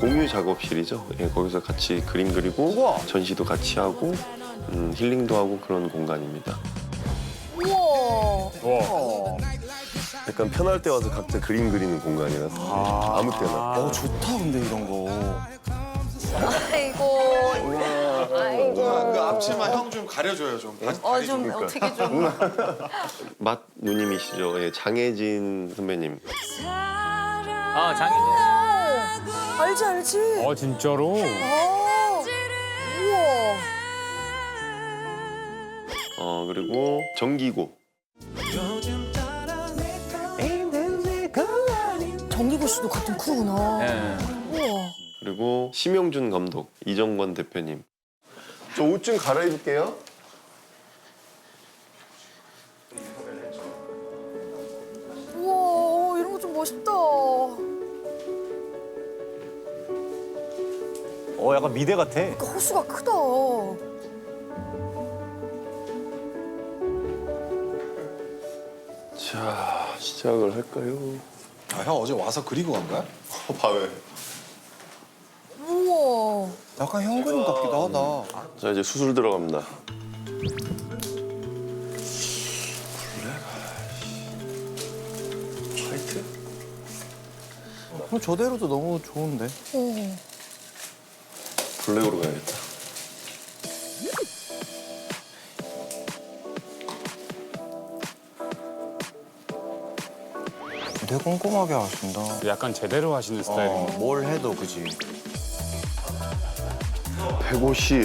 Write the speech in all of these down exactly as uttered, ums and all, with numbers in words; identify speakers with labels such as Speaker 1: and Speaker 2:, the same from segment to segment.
Speaker 1: 공유 작업실이죠. 예, 거기서 같이 그림 그리고
Speaker 2: 우와.
Speaker 1: 전시도 같이 하고 음, 힐링도 하고 그런 공간입니다.
Speaker 3: 우와.
Speaker 2: 어.
Speaker 1: 약간 편할 때 와서 각자 그림 그리는 공간이라서
Speaker 2: 아.
Speaker 1: 아무 때나.
Speaker 2: 어 좋다 근데 이런 거.
Speaker 3: 아이고. 아이고.
Speaker 4: 그 앞치마 형 좀 가려줘요 좀. 다-
Speaker 3: 어,
Speaker 4: 다리
Speaker 3: 좀 어떻게 좀.
Speaker 1: 맛 누님이시죠. 예, 장혜진 선배님.
Speaker 5: 아, 장인이.
Speaker 3: 알지, 알지.
Speaker 5: 어, 진짜로?
Speaker 3: 어. 우와.
Speaker 1: 어 그리고 정기고.
Speaker 3: 정기고 씨도 같은 크구나.
Speaker 5: 네.
Speaker 3: 우와.
Speaker 1: 그리고 심영준 감독, 이정권 대표님. 저 옷 좀 갈아입을게요.
Speaker 3: 우와, 이런 거 좀 멋있다.
Speaker 2: 어 약간 미대 같아.
Speaker 3: 그러니까 호수가 크다.
Speaker 1: 자, 시작을 할까요?
Speaker 4: 아, 형 어제 와서 그리고 간 거야?
Speaker 1: 어, 밤에.
Speaker 3: 우와.
Speaker 2: 약간 형 그림 같기도 하다.
Speaker 1: 자, 이제 수술 들어갑니다. 화이트?
Speaker 2: 어, 저대로도 너무 좋은데.
Speaker 3: 어.
Speaker 1: 블랙으로 가야겠다.
Speaker 2: 되게 꼼꼼하게 하신다.
Speaker 5: 약간 제대로 하시는 스타일이네.
Speaker 2: 어, 뭘 해도 그지.
Speaker 1: 백오십.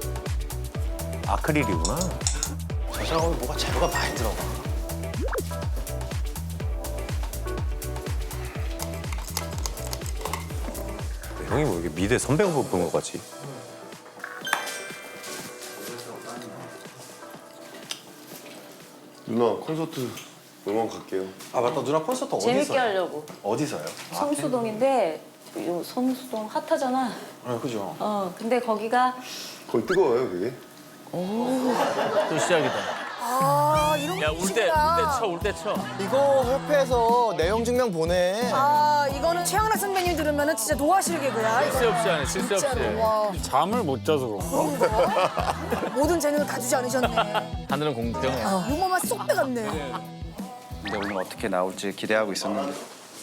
Speaker 2: 아크릴이구나. 저 작업에 뭐가 재료가 많이 들어가.
Speaker 6: 형이 뭐 이게 미대 선배 후보 본 것 같지?
Speaker 1: 누나 콘서트 응원 갈게요.
Speaker 4: 아 맞다 누나 콘서트 어디서?
Speaker 7: 재밌게 하려고.
Speaker 4: 어디서요?
Speaker 7: 성수동인데 요 성수동 핫하잖아.
Speaker 4: 아 그죠.
Speaker 7: 어 근데 거기가
Speaker 1: 거기 뜨거워요, 그게?
Speaker 5: 또 시작이다.
Speaker 3: 아, 이런 거
Speaker 5: 야, 울 때, 울 때
Speaker 3: 멋있구나.
Speaker 5: 쳐, 울 때 쳐.
Speaker 2: 이거 협회에서 내용 증명 보내.
Speaker 3: 아, 이거는 최양락 선배님 들으면 진짜 노하실 개그야.
Speaker 5: 실수 없이 하네, 실수 없이.
Speaker 7: 네.
Speaker 3: 진짜로. 와.
Speaker 5: 잠을 못 자서 그런가?
Speaker 3: 그런가? 모든 재능을 가지지 않으셨네.
Speaker 5: 하늘은 공평해.
Speaker 3: 유머만 쏙 빼갔네.
Speaker 8: 근데 오늘 어떻게 나올지 기대하고 있었는데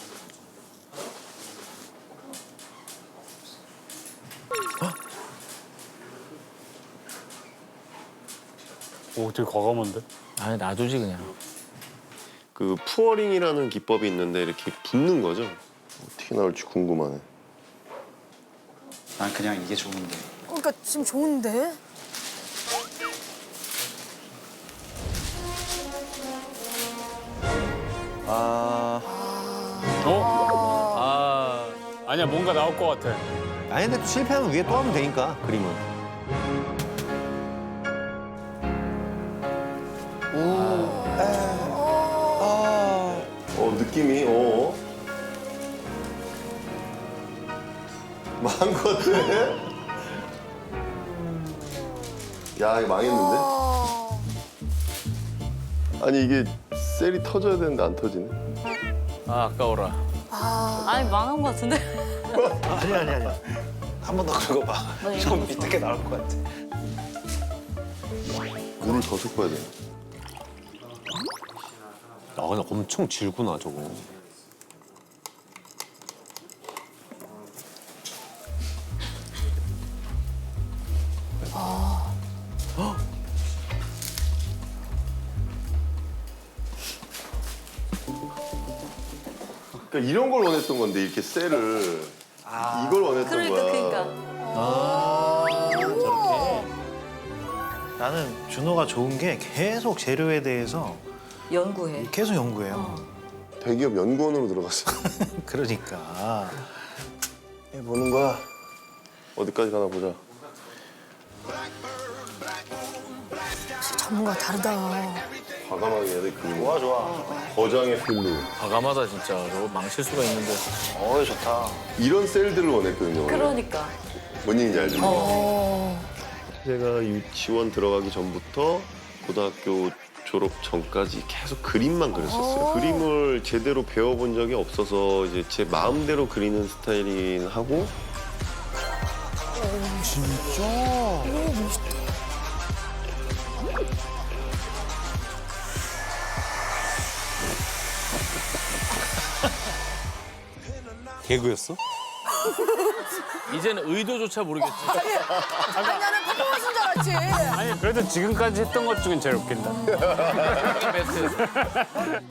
Speaker 5: 오, 되게 과감한데?
Speaker 6: 아니 놔두지 그냥.
Speaker 1: 그 푸어링이라는 기법이 있는데 이렇게 붓는 거죠. 어떻게 나올지 궁금하네.
Speaker 8: 난 그냥 이게 좋은데
Speaker 3: 그러니까 지금 좋은데?
Speaker 2: 아.
Speaker 5: 어? 아, 아니야, 뭔가 나올 것 같아.
Speaker 6: 아니 근데 또 실패하면 위에 또 하면 되니까 그림은.
Speaker 2: 아.
Speaker 1: 어 느낌이 어. 망한 것 같아. 야 이거 망했는데?
Speaker 3: 아,
Speaker 1: 아니 이게 셀이 터져야 되는데 안 터지네.
Speaker 5: 아, 아까워라.
Speaker 7: 아니 망한 거 같은데.
Speaker 2: 아니 아니 아니.
Speaker 8: 한 번 더 긁어봐. 좀 밑에 게 나올 것 같아.
Speaker 1: 물을 더 섞어야 돼.
Speaker 6: 아 근데 엄청 질구나 저거.
Speaker 1: 그러니까 이런 걸 원했던 건데 이렇게 셀을 이걸 원했던
Speaker 7: 그러니까
Speaker 1: 거야.
Speaker 7: 그러니까.
Speaker 2: 아, 저렇게. 나는 준호가 좋은 게 계속 재료에 대해서
Speaker 7: 연구해.
Speaker 2: 계속 연구해요.
Speaker 1: 대기업 연구원으로 들어갔어.
Speaker 2: 그러니까.
Speaker 1: 보는 거야. 어디까지 가나 보자.
Speaker 3: 진짜 전문가 다르다.
Speaker 1: 과감하게 해야 돼 그림.
Speaker 2: 좋아 좋아.
Speaker 1: 거장의 필로.
Speaker 5: 과감하다, 진짜. 저거 망칠 수가 있는데.
Speaker 2: 어 좋다.
Speaker 1: 이런 셀들을 원했거든요. 원래.
Speaker 7: 그러니까.
Speaker 1: 뭔 얘기인지 알죠?
Speaker 3: 어.
Speaker 1: 제가 유치원 들어가기 전부터 고등학교 졸업 전까지 계속 그림만 그렸었어요. 그림을 제대로 배워본 적이 없어서 이제 제 마음대로 그리는 스타일이긴 하고
Speaker 6: 개그였어?
Speaker 5: 이제는 의도조차 모르겠지.
Speaker 3: 아니 나는 퍼포먼스인 줄 알았지.
Speaker 5: 아니 그래도 지금까지 했던 것 중엔 제일 웃긴다. 베스트.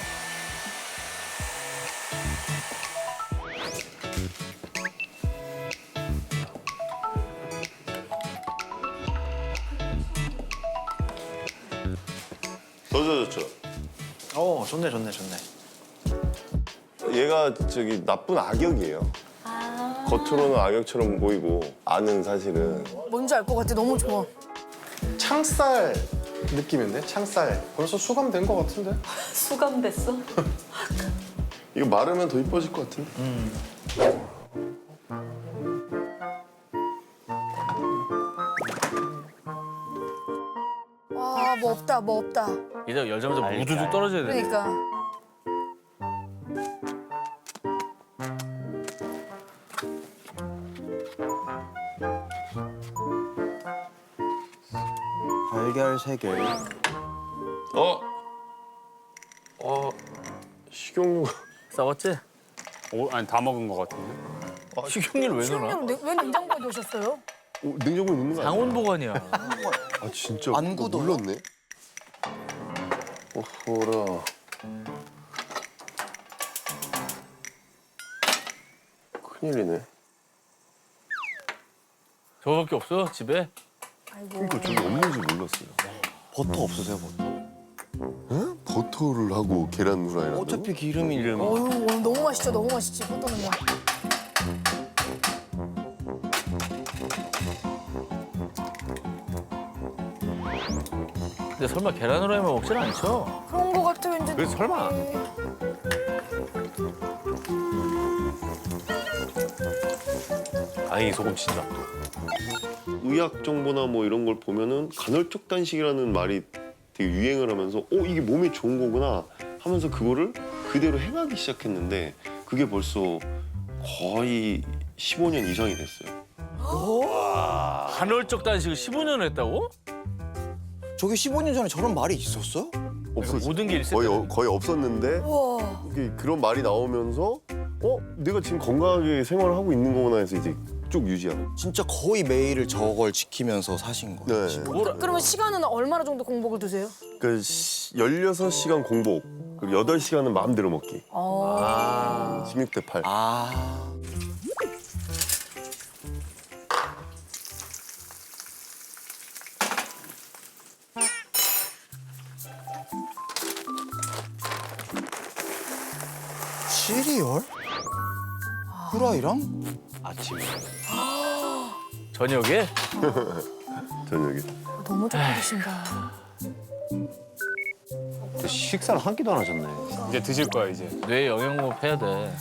Speaker 1: 더 젖었죠?
Speaker 2: 어 좋네 좋네 좋네.
Speaker 1: 얘가 저기 나쁜 악역이에요.
Speaker 7: 아.
Speaker 1: 겉으로는 악역처럼 보이고 안은 사실은
Speaker 3: 뭔지 알 것 같아. 너무 좋아.
Speaker 4: 창살 느낌인데? 창살. 벌써 수감된 것 같은데?
Speaker 7: 수감됐어?
Speaker 1: 이거 마르면 더 이뻐질 것 같은데?
Speaker 3: 아, 뭐 없다, 뭐 없다.
Speaker 5: 이제 열자마자 무두둑 떨어져야 돼.
Speaker 3: 그러니까.
Speaker 8: 달걀 세 개.
Speaker 1: 어? 어? 식용유
Speaker 5: 싸웠지? 오, 아니 다 먹은 것 같은데.
Speaker 6: 식용유를 왜 넣어?
Speaker 3: 식용유 왜 냉장고에 넣으셨어요?
Speaker 1: 어, 냉장고에 넣는 거 아니야?
Speaker 5: 상온 보관이야.
Speaker 1: 아 진짜
Speaker 8: 안
Speaker 1: 그거
Speaker 8: 굳어요?
Speaker 1: 몰랐네. 오호라. 큰일이네.
Speaker 5: 저거밖에 없어 집에?
Speaker 3: 아이고.
Speaker 1: 그러니까 저기 없는지 몰랐어요.
Speaker 8: 버터 없으세요, 버터?
Speaker 1: 응? 버터를 하고 계란 후라이라고?
Speaker 8: 어차피 기름이 이름.
Speaker 3: 어휴, 오늘 너무 맛있죠, 너무 맛있지. 포도는요.
Speaker 5: 근데 설마 계란 후라이만 먹진 않죠?
Speaker 3: 그런 거 같아, 왠지.
Speaker 6: 그래서 설마. 아니 소금 진짜.
Speaker 1: 의학 정보나 뭐 이런 걸 보면은 간헐적 단식이라는 말이 되게 유행을 하면서 어 이게 몸에 좋은 거구나 하면서 그거를 그대로 행하기 시작했는데 그게 벌써 거의 십오 년 이상이 됐어요.
Speaker 5: 간헐적 단식을 십오 년을 했다고?
Speaker 8: 저게 십오 년 전에 저런 말이 있었어요?
Speaker 1: 없었
Speaker 5: 모든 게 일세.
Speaker 1: 거의 어- 거의 없었는데
Speaker 3: 우와.
Speaker 1: 이게 그런 말이 나오면서 어 내가 지금 건강하게 생활을 하고 있는 거구나 해서 이제 쭉 유지하고.
Speaker 8: 진짜 거의 매일을 저걸 지키면서 사신 거예요.
Speaker 1: 네.
Speaker 5: 뭐라?
Speaker 3: 그러면 시간은 얼마나 정도 공복을 두세요?
Speaker 1: 그 열여섯 시간 공복 그리고 여덟 시간은 마음대로 먹기.
Speaker 3: 어.
Speaker 1: 십육 대 팔.
Speaker 8: 아. 시리얼? 후라이랑?
Speaker 6: 아침에.
Speaker 5: 저녁에?
Speaker 1: 저녁에.
Speaker 3: 너무 좋게 드신다.
Speaker 6: 식사를 한 끼도 안 하셨네.
Speaker 5: 이제 드실 거야 이제. 뇌 영양법 해야 돼.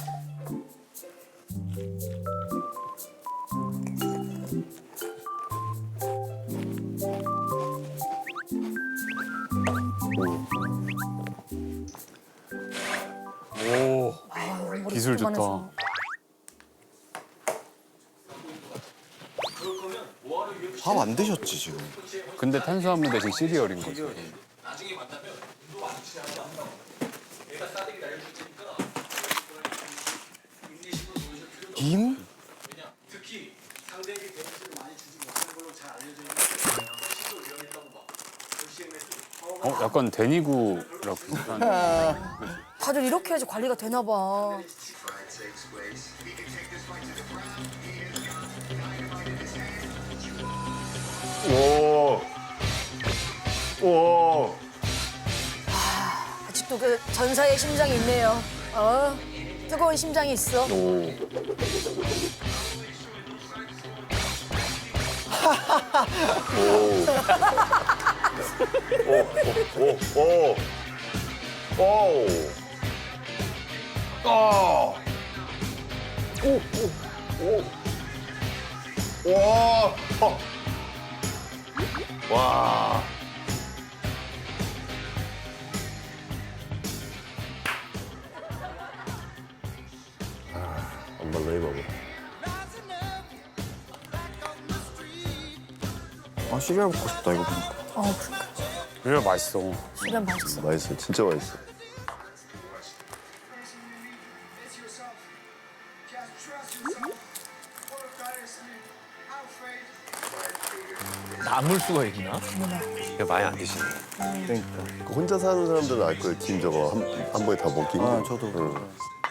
Speaker 5: 오,
Speaker 3: 아유, 머리
Speaker 5: 기술 좋다.
Speaker 3: 그만해서.
Speaker 8: 밥 안 드셨지 지금?
Speaker 5: 근데 탄수화물 대신 시리얼인 거지.
Speaker 8: 김?
Speaker 5: 어, 약간 데니구라고 비슷한.
Speaker 3: 다들 이렇게 해야지 관리가 되나 봐.
Speaker 1: 오. 오.
Speaker 3: 아직도 그 전사의 심장이 있네요. 어, 뜨거운 심장이 있어.
Speaker 1: 오. 오. 오. 오. 오. 오. 아. 오. 오. 오. 와. 어. 와. 아, 안 발라 이 봐봐.
Speaker 2: 아 시리얼 먹고 싶다 이거 보니까.
Speaker 3: 어, 그러니까.
Speaker 5: 그래 맛있어.
Speaker 3: 수련 맛있어.
Speaker 1: 맛있어, 진짜 맛있어.
Speaker 6: 남을 수가 있나? 이거 많이 안 드시네.
Speaker 1: 그 혼자 사는 사람들은 알 거예요. 김 저거 한, 한 번에 다 먹기 힘들어.
Speaker 2: 아 저도.
Speaker 1: 응.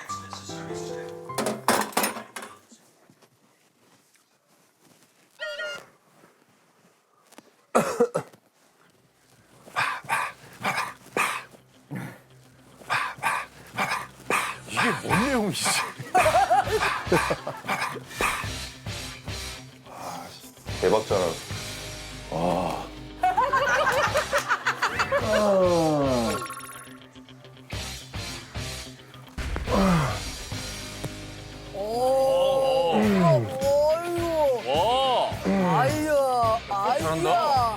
Speaker 6: 이게 뭔 내용이지?
Speaker 1: 대박잖아.
Speaker 3: 오. 아이고.
Speaker 5: 와.
Speaker 3: 아이야. 아이야.
Speaker 5: 잘한다.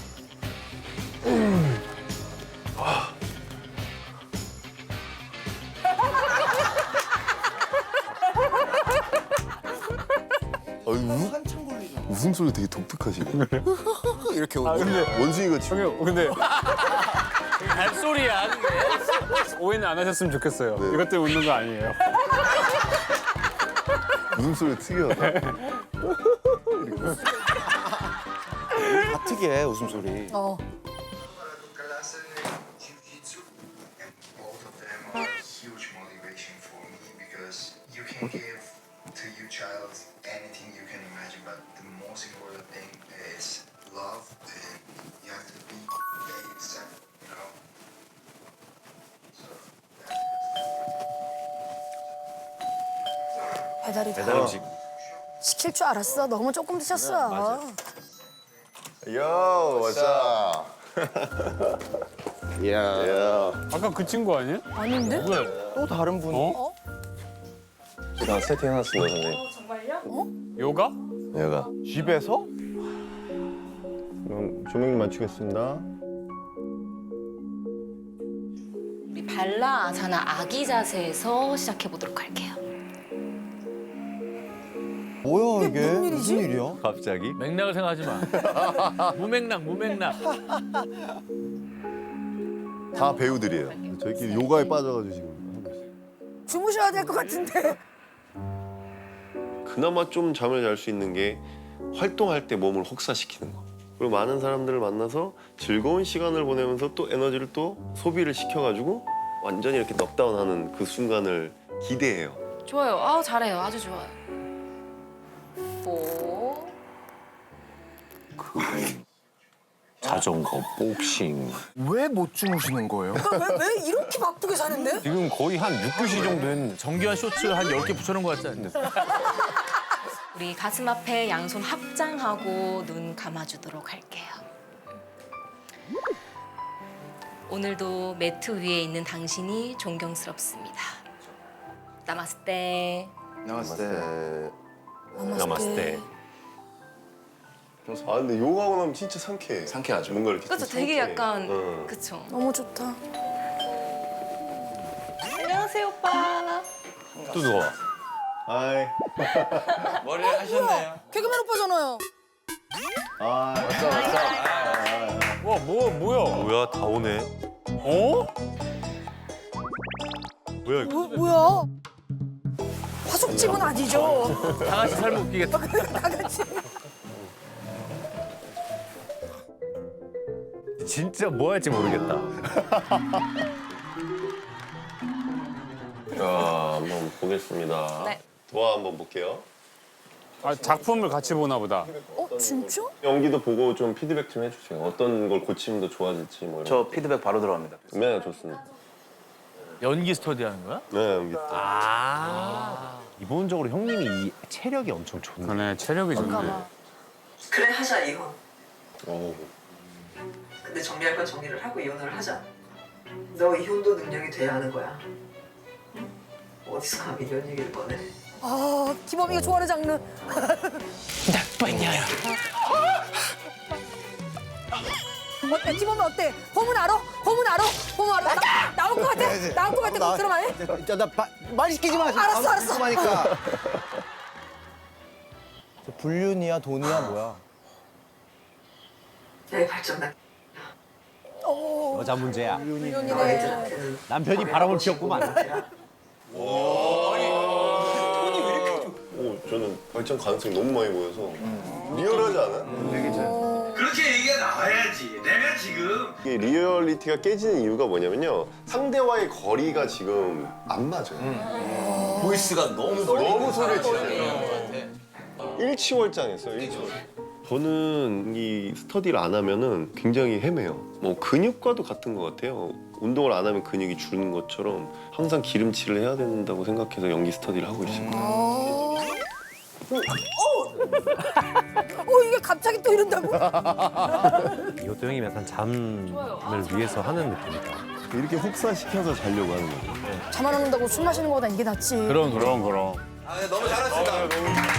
Speaker 1: 아, 우, 웃음소리 되게 독특하시네.
Speaker 2: 이렇게
Speaker 5: 아 근데
Speaker 1: 원숭이가 지금
Speaker 5: 형님 근데 발소리야 그게. 오해는 안 하셨으면 좋겠어요.
Speaker 1: 네.
Speaker 5: 이것 때문에 웃는 거 아니에요.
Speaker 1: 웃음소리 특이하다.
Speaker 2: 다 특이해 웃음소리.
Speaker 3: 어.
Speaker 9: Kalasa and Jiu-Jitsu, and both of them are huge motivation for me because you can give to your child anything you can imagine, but the most important thing is love, and you have to be yourself, you know. So
Speaker 3: 배달이 다.
Speaker 6: 배달 음식.
Speaker 3: 시킬 줄 알았어. 너무 조금 드셨어.
Speaker 1: 요, 왔자.
Speaker 2: 이야.
Speaker 1: 야.
Speaker 5: 아까 그 친구 아니야?
Speaker 3: 아닌데?
Speaker 2: 또 다른 분.
Speaker 5: 어?
Speaker 1: 나 세팅해놨습니다, 선생님.
Speaker 7: 정말요?
Speaker 5: 요가?
Speaker 1: 얘가.
Speaker 2: 집에서?
Speaker 1: 그럼 조명님 맞추겠습니다.
Speaker 10: 우리 발라 아사나 아기 자세에서 시작해 보도록 할게요.
Speaker 2: 뭐야 이게?
Speaker 3: 무슨 일이지?
Speaker 2: 무슨 일이야?
Speaker 6: 갑자기?
Speaker 5: 맥락을 생각하지 마. 무맥락 무맥락.
Speaker 1: 다 배우들이에요. 저희끼리 요가에 빠져가지고 지금 하고 있어요.
Speaker 3: 주무셔야 될 것 같은데.
Speaker 1: 그나마 좀 잠을 잘 수 있는 게 활동할 때 몸을 혹사시키는 거. 그리고 많은 사람들을 만나서 즐거운 시간을 보내면서 또 에너지를 또 소비를 시켜가지고 완전히 이렇게 넉다운하는 그 순간을 기대해요.
Speaker 10: 좋아요. 아우 잘해요. 아주 좋아요. 오.
Speaker 6: 자전거, 복싱.
Speaker 2: 왜 못 주무시는 거예요?
Speaker 3: 왜, 왜 이렇게 바쁘게 사는데?
Speaker 6: 지금 거의 한 육 교시 정도 했는데.
Speaker 5: 정교한 쇼츠 한 열 개 붙여놓은 것 같지 않냐?
Speaker 10: 우리 가슴 앞에 양손 합장하고 눈 감아주도록 할게요. 오늘도 매트 위에 있는 당신이 존경스럽습니다. 나마스테.
Speaker 2: 나왔을 때.
Speaker 1: 네.
Speaker 6: 나마스테.
Speaker 1: 아 근데 요가하고 나면 진짜 상쾌해.
Speaker 2: 상쾌하죠.
Speaker 1: 뭔가 이렇게
Speaker 10: 그렇죠.
Speaker 1: 좀
Speaker 10: 되게
Speaker 1: 상쾌해.
Speaker 10: 약간
Speaker 1: 응.
Speaker 10: 그쵸.
Speaker 3: 너무 좋다.
Speaker 10: 안녕하세요 오빠.
Speaker 6: 또 누가?
Speaker 1: 아이.
Speaker 8: 머리를 하셨네요.
Speaker 3: 개그맨 오빠잖아요.
Speaker 1: 아.
Speaker 5: 와 뭐 뭐야?
Speaker 6: 뭐야, 다 오네.
Speaker 5: 어?
Speaker 6: 뭐야, 이거?
Speaker 3: 뭐, 뭐야? 화숙집은 아니죠.
Speaker 5: 다 같이 살면 웃기겠다.
Speaker 3: 다 같이.
Speaker 6: 진짜 뭐 할지 모르겠다.
Speaker 1: 자 한번 보겠습니다.
Speaker 10: 네.
Speaker 1: 도화 한번 볼게요.
Speaker 5: 아 작품을 같이 보나 보다.
Speaker 3: 어, 진짜?
Speaker 1: 연기도 보고 좀 피드백 좀 해주세요. 어떤 걸 고치면 더 좋아질지 뭐 이런.
Speaker 8: 저 피드백 바로 들어갑니다.
Speaker 1: 네 좋습니다.
Speaker 5: 연기 스터디 하는 거야?
Speaker 1: 네 연기.
Speaker 6: 아. 기본적으로 형님이 이 체력이 엄청 좋네.
Speaker 5: 그러네 체력이 좋네.
Speaker 11: 그래 하자 이혼.
Speaker 1: 오.
Speaker 11: 근데 정리할 건 정리를 하고 이혼을 하자. 너 이혼도 능력이 돼야 하는 거야. 응? 어디서 감히 이런 얘기를 꺼내?
Speaker 3: 아, 기범이가 좋아하는 장르.
Speaker 5: 나빠냐?
Speaker 3: 어때? 기범이 어때? 범은 알아? 범은 알아? 범은 알아? 나, 나올 것 같아? 나올 것 같아? 그럼 안 해?
Speaker 2: 자, 나 말 시키지 마. 지금
Speaker 3: 알았어,
Speaker 2: 아무
Speaker 3: 알았어.
Speaker 2: 궁금하니까. 저 불륜이야 돈이야 뭐야?
Speaker 11: 내 발전단.
Speaker 6: 여자 문제야.
Speaker 11: 너
Speaker 3: 훈련이네.
Speaker 11: 애들한테는
Speaker 6: 남편이 바람을 피웠구만.
Speaker 1: 오, 저는 발전 가능성이 너무 많이 보여서 리얼하지 않아요?
Speaker 12: 그렇게 얘기가 나와야지. 내가 지금
Speaker 1: 이게 리얼리티가 깨지는 이유가 뭐냐면요. 상대와의 거리가 지금 안 맞아요.
Speaker 2: 보이스가 너무
Speaker 1: 너무 소리를 치잖아요. 일치월장했어요, 일치월장. 저는 이 스터디를 안 하면은 굉장히 헤매요. 뭐 근육과도 같은 것 같아요. 운동을 안 하면 근육이 주는 것처럼 항상 기름칠을 해야 된다고 생각해서 연기 스터디를 하고 있어요.
Speaker 3: 어, 이게 갑자기 또 이런다고?
Speaker 6: 이것도 형님 약간 잠을 위해서 하는 느낌이다.
Speaker 1: 이렇게 흡사시켜서 자려고 하는 거죠.
Speaker 3: 잠 안 온다고 술 마시는 거보다 이게 낫지.
Speaker 5: 그럼 그럼 그럼.
Speaker 2: 아, 너무 잘하신다.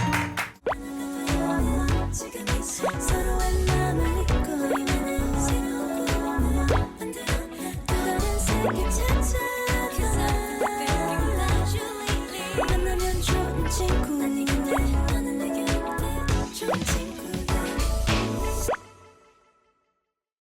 Speaker 13: 서로의 마음을 잊고 있는 새로운 꿈을 만들어 또 다른 세계 찾아가